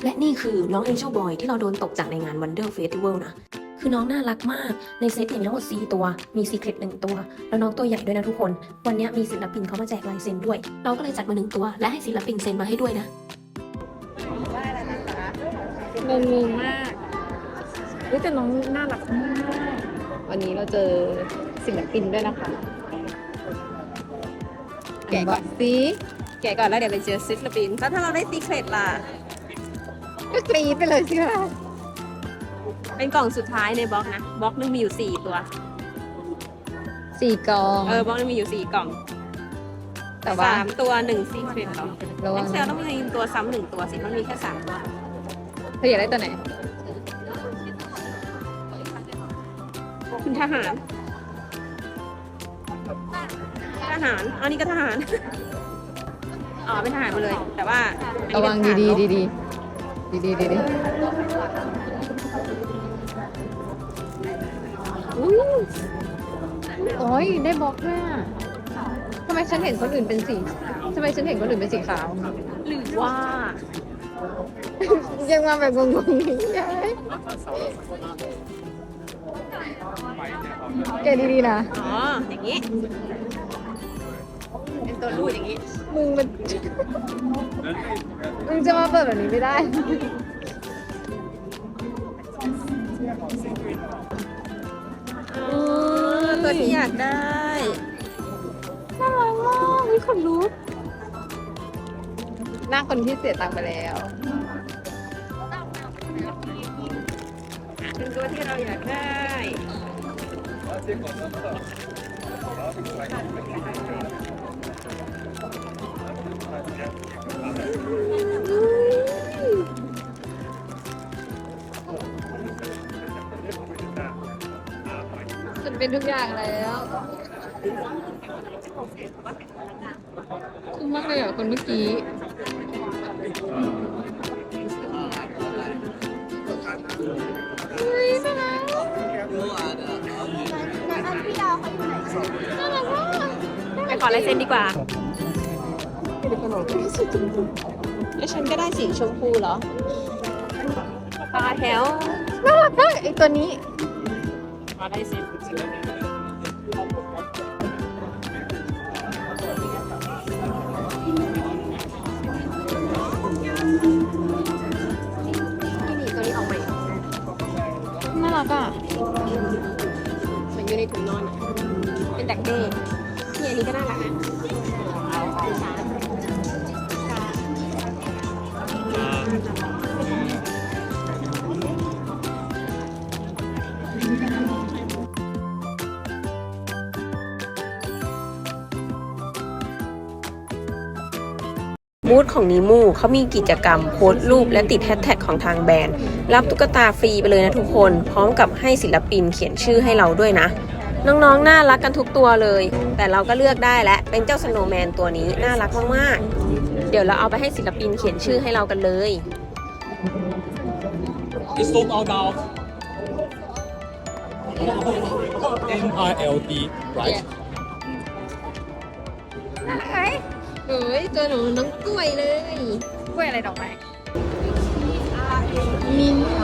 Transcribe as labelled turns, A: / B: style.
A: และนี่คือน้อง Angel Boy ที่เราโดนตกจากในงาน Wonder Festival นะคือน้องน่ารักมากในเซตมีทั้งหมด4ตัวมี Secret 1ตัวแล้วน้องตัวใหญ่ด้วยนะทุกคนวันนี้มีศิลปินเขามาแจกลายเซ็นด้วยเราก็เลยจัดมา1ตัวและให้ศิลปินเซ็นมาให้ด้วยนะ
B: งงมากแต่น้องน่ารักมากวันนี้เราเจอศิลปินด้วยนะคะแกะก่อนสิแกะก่อนแล้วเดี๋ยวไปเจอศิลปินแล้วถ้าเราได้ซีเครตล่ะก็กรี๊ดไปเลยสิค่ะเป็นกล่องสุดท้ายในบล็อกนะบล็อกนึงมีอยู่4ตัว4กล่องบล็อกนึงมีอยู่4กล่องแต่ว่า3ตัว1ซีเครตหรอเอ็กเซลต้องมีตัวซ้ำ1ตัวสิมันมีแค่3ตัวเธออยากได้ตัวไหนคุณทหารอันนี้ก็ทหารอ๋อเป็นทหารมาเลยแต่ว่าระวังดีโอ้ยได้บล็อกด้วยอ่ะทำไมฉันเห็นคนอื่นเป็นสีขาวหรือว่ายังมาแบบงงๆนี่แกดีๆนะอ๋ออย่างนี้เป็นตัวรูดอย่างนี้มึงจะมาเปิดแบบนี้ไม่ได้ตัวที่อยากได้น่ารักมากมีคนรู้หน้าคนที่เสียตังค์ไปแล้วเป็นตัวที่เราอยากได้ฉันเป็นทุกอย่างแล้วคุ้มมากเลยอ่ะคนเมื่อกี้ไปขอลายเซ็นดีกว่าแล้วฉันก็ได้สีชมพูเหรอปลาแถวน่ารักมากไอตัวนี้มาได้เซ็นนี่ตัวนี้ออกมาน่ารักอ่ะมันอยู่ในถุงนอนเป็นดักเด้นี่อันนี้ก็น่ารักนะบูธของนิมูเขามีกิจกรรมโพสต์รูปและติดแฮชแท็กของทางแบรนด์รับตุ๊กตาฟรีไปเลยนะทุกคนพร้อมกับให้ศิลปินเขียนชื่อให้เราด้วยนะน้องๆน่ารักกันทุกตัวเลยแต่เราก็เลือกได้และเป็นเจ้าสโนว์แมนตัวนี้น่ารักมากๆเดี๋ยวเราเอาไปให้ศิลปินเขียนชื่อให้เรากันเลย
C: It's sold out now. MILD, right?
B: เฮ้ยตัวหนูน้องกล้วยเลยกล้วยอะไรดอกไม้มิน